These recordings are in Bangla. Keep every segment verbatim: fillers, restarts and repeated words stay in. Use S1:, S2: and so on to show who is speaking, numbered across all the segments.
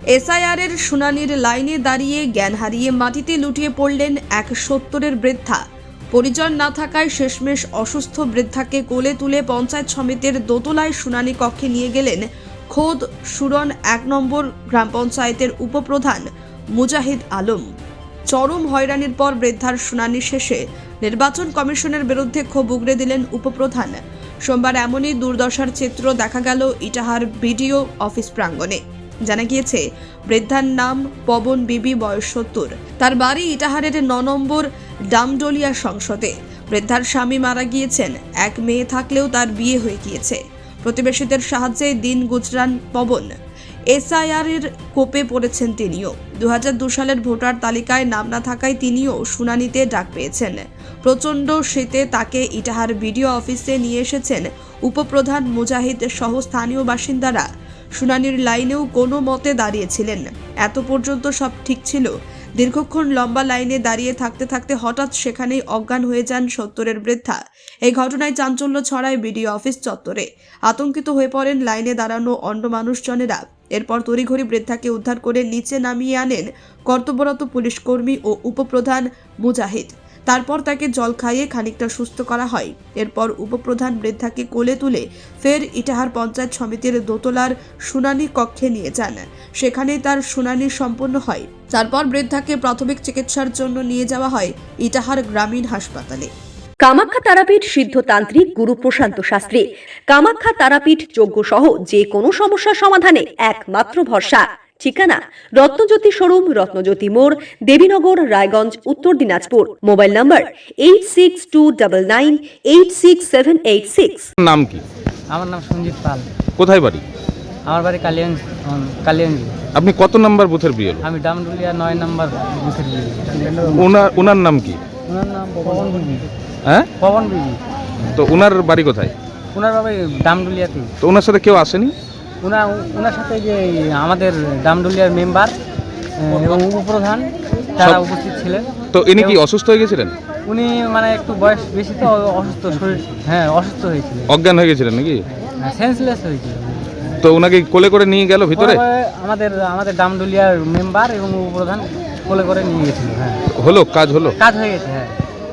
S1: এসআইআর এর শুনানির লাইনে দাঁড়িয়ে জ্ঞান হারিয়ে মাটিতে লুটিয়ে পড়লেন এক সত্তরের বৃদ্ধা। পরিজন না থাকায় শেষমেশ অসুস্থ বৃদ্ধাকে কোলে তুলে পঞ্চায়েত সমিতির দোতলায় শুনানি কক্ষে নিয়ে গেলেন খোদ সুরন এক নম্বর গ্রাম পঞ্চায়েতের উপপ্রধান মুজাহিদ আলম। চরম হয়রানির পর বৃদ্ধার শুনানি শেষে নির্বাচন কমিশনের বিরুদ্ধে ক্ষোভ উগরে দিলেন উপপ্রধান। সোমবার এমনই দুর্দশার চিত্র দেখা গেল ইটাহার বিডিও অফিস প্রাঙ্গণে। জানা গিয়েছে, বৃদ্ধার নাম পবন বিবি, বয়স সত্তর। তার বাড়ি ইটাহারের ন নম্বর ডামডলিয়া সংসদে। বৃদ্ধার স্বামী মারা গিয়েছেন, এক মেয়ে থাকলেও তার বিয়ে হয়ে গিয়েছে। প্রতিবেশীদের সাহায্যে দিন গুজরান পবন। এসআইআর এর কোপে পড়েছেন তিনিও। দু হাজার দু সালের ভোটার তালিকায় নাম না থাকায় তিনিও শুনানিতে ডাক পেয়েছেন। প্রচণ্ড শীতে তাকে ইটাহার বিডিও অফিসে নিয়ে এসেছেন উপপ্রধান মুজাহিদ সহ স্থানীয় বাসিন্দারা। শুনানির লাইনেও কোনো মতে দাঁড়িয়েছিলেন। এত পর্যন্ত সব ঠিক ছিল। দীর্ঘক্ষণ লম্বা লাইনে দাঁড়িয়ে থাকতে থাকতে হঠাৎ সেখানেই অজ্ঞান হয়ে যান সত্তরের বৃদ্ধা। এই ঘটনায় চাঞ্চল্য ছড়ায় বিডিও অফিস চত্বরে। আতঙ্কিত হয়ে পড়েন লাইনে দাঁড়ানো অন্য মানুষজনেরা। এরপর তড়িঘড়ি বৃদ্ধাকে উদ্ধার করে নিচে নামিয়ে আনেন কর্তব্যরত পুলিশ কর্মী ও উপপ্রধান মুজাহিদ। তারপর তাকে জল খাইয়ে খানিকটা সুস্থ করা হয়। এরপর উপপ্রধান বৃদ্ধাকে কোলে তুলে ফের ইটাহার পঞ্চায়েত সমিতির দোতলার শুনানি কক্ষে নিয়ে যান। সেখানেই তার শুনানি সম্পন্ন হয়। তারপর বৃদ্ধাকে প্রাথমিক চিকিৎসার জন্য নিয়ে যাওয়া হয় ইটাহার গ্রামীণ হাসপাতালে।
S2: কামাখ্যা তারাপীঠ সিদ্ধতান্ত্রিক গুরু প্রশান্ত শাস্ত্রী। কামাখ্যা তারাপীঠ যজ্ঞ সহ যে কোনো সমস্যার সমাধানে একমাত্র ভরসা। ঠিকানা রত্নজ্যোতি শোরুম, রত্নজ্যোতি মোড়, Debinagar, Raiganj, Uttar Dinajpur. Mobile number eight six two nine nine eight six seven eight six.
S3: নাম কি?
S4: আমার নাম সঞ্জিত পাল।
S3: কোথায় বাড়ি?
S4: আমার বাড়ি কালিয়াঞ্জ কালিয়াঞ্জ।
S3: আপনি কত নাম্বার বুথের বিএল?
S4: আমি ডামডুলিয়া নয় নম্বর বুথের বিএল।
S3: ওনার ওনার নাম কি?
S4: ওনার নাম পবন বিবি।
S3: হ্যাঁ,
S4: পবন বিবি।
S3: তো ওনার বাড়ি কোথায়?
S4: ওনার বাবা ডামডুলিয়াতে।
S3: তো ওনার সাথে কেউ আসেনি?
S4: ওনার ওনার সাথে যে আমাদের ডামডুলিয়ার মেম্বার এবং উপপ্রধান তারা উপস্থিত ছিলেন।
S3: তো ইনি কি অসুস্থ হয়ে গেছিলেন?
S4: উনি মানে একটু বয়স বেশি তো অসুস্থ, শরীর হ্যাঁ অসুস্থ হয়েছিলেন,
S3: অজ্ঞান হয়ে গেছিলেন নাকি?
S4: সেন্সলেস হয়েছিলেন।
S3: তো ওনাকে কোলে করে নিয়ে গেল ভিতরে?
S4: আমাদের আমাদের ডামডুলিয়ার মেম্বার এবং উপপ্রধান কোলে করে নিয়ে গেছিল। হ্যাঁ,
S3: হলো কাজ? হলো
S4: কাজ হয়ে গেছে। হ্যাঁ,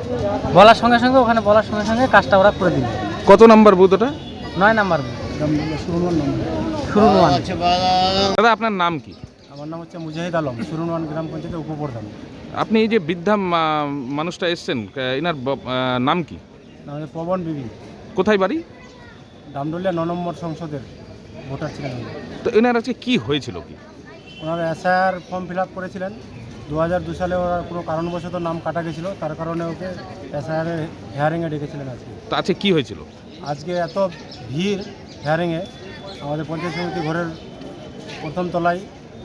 S4: বলার সঙ্গে সঙ্গে ওখানে বলার সঙ্গে সঙ্গে কাজটা ওরা করে দিল।
S3: কত নাম্বার বুথ ওটা?
S4: নয় নাম্বার বুথ, সুরুনওয়ান নম্বর। সুরুনওয়ান।
S3: দাদা, আপনার নাম কি?
S5: আমার নাম হচ্ছে মুজাহিদ আলম, সুরুনওয়ান গ্রাম পঞ্চায়েতের উপপ্রধান।
S3: আপনি এই যে বৃদ্ধা মা- মানুষটা এসছেন, এনার ব- আহ, নাম কি?
S5: নাম হচ্ছে পবন বিবি।
S3: কোথায় বাড়ি?
S5: ডামডলিয়া ন নম্বর সংসদের ভোটার ছিলেন উনি।
S3: তো এনার আজকে কি হয়েছিল? কি
S5: ওনারা এসআইআর ফর্ম ফিল আপ করেছিলেন। দু হাজার দু সালে ওরা কোনো কারণবশত নাম কাটা গেছিলো, তার কারণে ওকে এসআইআরের হেয়ারিংয়ে ডেকেছিলেন আজকে।
S3: তো আজকে কি হয়েছিল?
S5: আজকে এত ভিড় হেয়ারিংয়ে, আমাদের পঞ্চায়েত সমিতি ঘরের প্রথম তলায়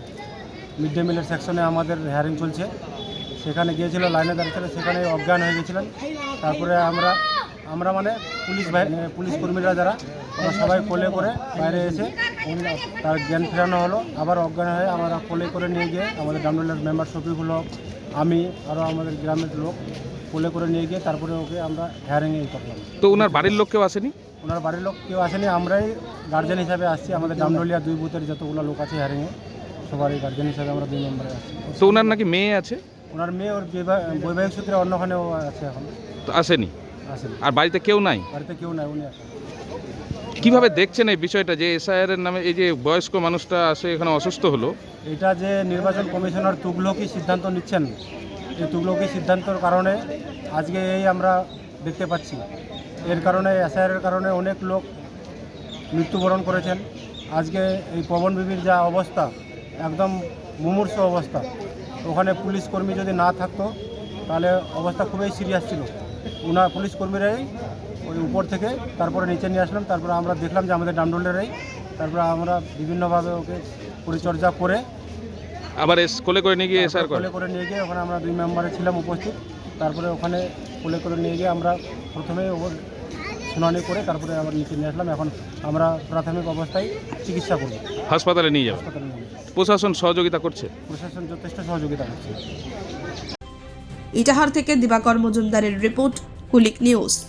S5: মিড ডে মিলের সেকশনে আমাদের হেয়ারিং চলছে। সেখানে গিয়েছিল, লাইনে দাঁড়িয়েছিল, সেখানে অজ্ঞান হয়ে গেছিলেন। তারপরে আমরা আমরা মানে পুলিশ বাহিনী পুলিশ কর্মীরা যারা আমরা সবাই কোলে করে বাইরে এসে তার জ্ঞান ফেরানো হলো। আবার অজ্ঞান হয়ে আমরা কোলে করে নিয়ে গিয়ে আমাদের ডামডলিয়ার মেম্বার শফিকুল হক, আমি আরও আমাদের গ্রামের লোক কোলে করে নিয়ে গিয়ে তারপরে ওকে আমরা হেয়ারিংয়ে করলাম।
S3: তো ওনার বাড়ির লোক কেউ আসেনি?
S5: ওনার বাড়ির লোক কেউ আসেনি, আমরাই গার্জেন হিসাবে আসছি। আমাদের ডামডলিয়া দুই বুথের যতগুলো লোক আছে হেয়ারিংয়ে, সবারই গার্জেন হিসাবে আমরা দুই নম্বরে আসছি।
S3: তো ওনার নাকি মেয়ে আছে?
S5: ওনার মেয়ে ওর বিবাহ- বৈবাহিক সূত্রে অন্যখানেও আছে, এখন
S3: তো আসেনি?
S5: আসেনি,
S3: আর বাড়িতে কেউ নাই?
S5: বাড়িতে কেউ নাই, উনি আসেন।
S3: কিভাবে দেখছেন এই বিষয়টা যে এসআইআর এর নামে এই যে বয়স্ক মানুষটা আসে এখানে অসুস্থ হলো?
S5: এটা যে নির্বাচন কমিশনার তুগলকি সিদ্ধান্ত নিচ্ছেন, এই তুগলকি সিদ্ধান্তর কারণে আজকে এই আমরা দেখতে পাচ্ছি। এর কারণে এসআইআরের কারণে অনেক লোক মৃত্যুবরণ করেছেন। আজকে এই পবন বিবির যা অবস্থা, একদম মুমূর্ষ অবস্থা। ওখানে পুলিশ কর্মী যদি না থাকতো তাহলে অবস্থা খুবই সিরিয়াস ছিল। ওনার পুলিশ কর্মীরাই ওই উপর থেকে তারপরে নিচে নিয়ে আসলাম। তারপরে আমরা দেখলাম যে আমাদের ডামডলেরাই, তারপরে আমরা বিভিন্নভাবে ওকে পরিচর্যা করে
S3: আবার এস কোলে করে নিয়ে গিয়ে এসআর করে
S5: কোলে করে নিয়ে গিয়ে ওখানে আমরা দুই মেম্বারে ছিলাম উপস্থিত। তারপরে ওখানে কোলে করে নিয়ে গিয়ে আমরা প্রথমে ওর শুনানি করে তারপরে আবার নিচে নিয়ে আসলাম। এখন আমরা প্রাথমিক অবস্থায় চিকিৎসা করব,
S3: হাসপাতালে নিয়ে যাবো।
S5: হাসপাতালে নিয়ে যাবো।
S3: প্রশাসন সহযোগিতা করছে?
S5: প্রশাসন যথেষ্ট সহযোগিতা করছে।
S1: ইটাহার থেকে দিবাকর মজুমদারের রিপোর্ট, কুলিক নিউজ।